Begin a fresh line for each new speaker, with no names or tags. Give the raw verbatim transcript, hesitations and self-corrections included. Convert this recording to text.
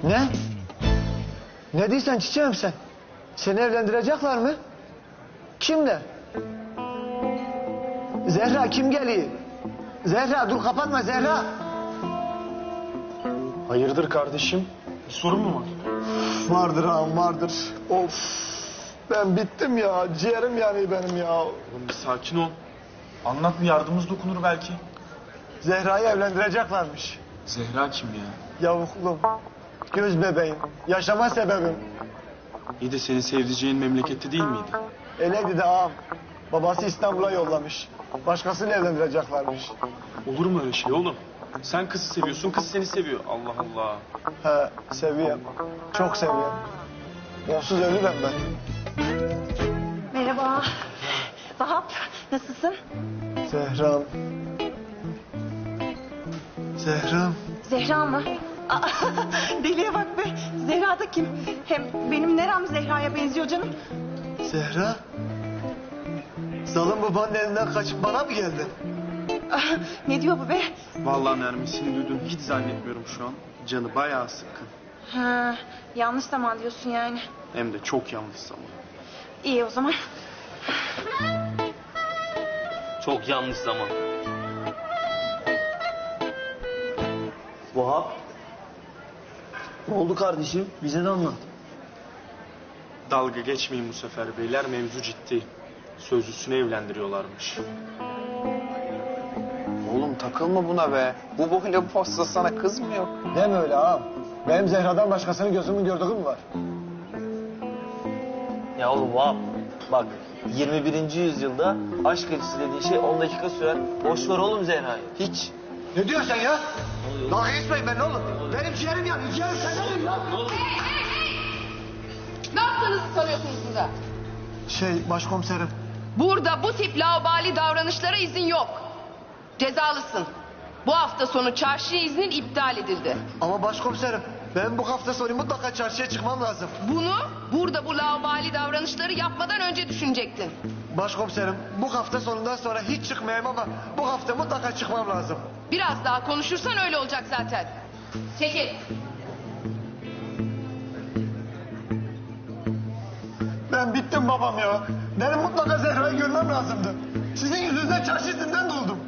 Ne? Ne diyorsun çiçeğim sen? Seni evlendirecekler mi? Kimle? Zehra kim geliyor? Zehra dur kapatma Zehra.
Hayırdır kardeşim? Bir sorun mu var?
Vardır ağam vardır. Of ben bittim ya. Ciğerim yanıyor benim ya.
Oğlum bir sakin ol. Anlat, bir yardımımız dokunur belki.
Zehra'yı evlendireceklermiş.
Zehra kim ya?
Yavuklum, göz bebeğim, yaşama sebebim.
İyi de senin sevdiceğin memlekette değil miydi?
Eleydi de ağam. Babası İstanbul'a yollamış. Başkasıyla evlendireceklermiş.
Olur mu öyle şey oğlum? Sen kızı seviyorsun, kız seni seviyor. Allah Allah.
He, seviyorum. Çok seviyorum. Onsuz ölürüm ben.
Merhaba. Vahap, nasılsın?
Zehra'm. Zehra'm.
Zehra mı? Aa, deliye bak be. Zehra da kim? Hem benim nerem Zehra'ya benziyor canım?
Zehra. Zalim babanın elinden kaçıp bana mı geldin?
Aa, ne diyor bu be?
Vallahi Nermin, duydum, hiç zannetmiyorum şu an. Canı bayağı sıkkın.
Ha, yanlış zaman diyorsun yani.
Hem de çok yanlış zaman.
İyi o zaman.
Çok yanlış zaman.
Vahap. Ne oldu kardeşim? Bize de anlat.
Dalga geçmeyin bu sefer beyler, mevzu ciddi. Sözlüsünü evlendiriyorlarmış.
Oğlum takılma buna be. Bu boyla bu posta sana kız mı yok?
Deme öyle ağam. Benim Zehra'dan başkasını gözümün gördüğü mü var?
Ya oğlum Vahap. Bak yirmi birinci yüzyılda aşk acısı dediğin şey on dakika sürer. Boş ver oğlum Zehra'yı. Hiç.
Ne diyorsun sen ya? Dalga geçmeyin ben oğlum. Benim ciğerim yanıyor. Ciğerim senin ya.
Ne yaptığınızı sanıyorsunuz burada?
Şey başkomiserim.
Burada bu tip laubali davranışlara izin yok. Cezalısın. Bu hafta sonu çarşı iznin iptal edildi.
Ama başkomiserim ben bu hafta sonu mutlaka çarşıya çıkmam lazım.
Bunu burada bu laubali davranışları yapmadan önce düşünecektin.
Başkomiserim bu hafta sonundan sonra hiç çıkmayayım ama bu hafta mutlaka çıkmam lazım.
Biraz daha konuşursan öyle olacak zaten. Çekil.
Ben bittim babam ya. Benim mutlaka Zehra'yı görmem lazımdı. Sizin yüzünüzden çarşı izinden doldum.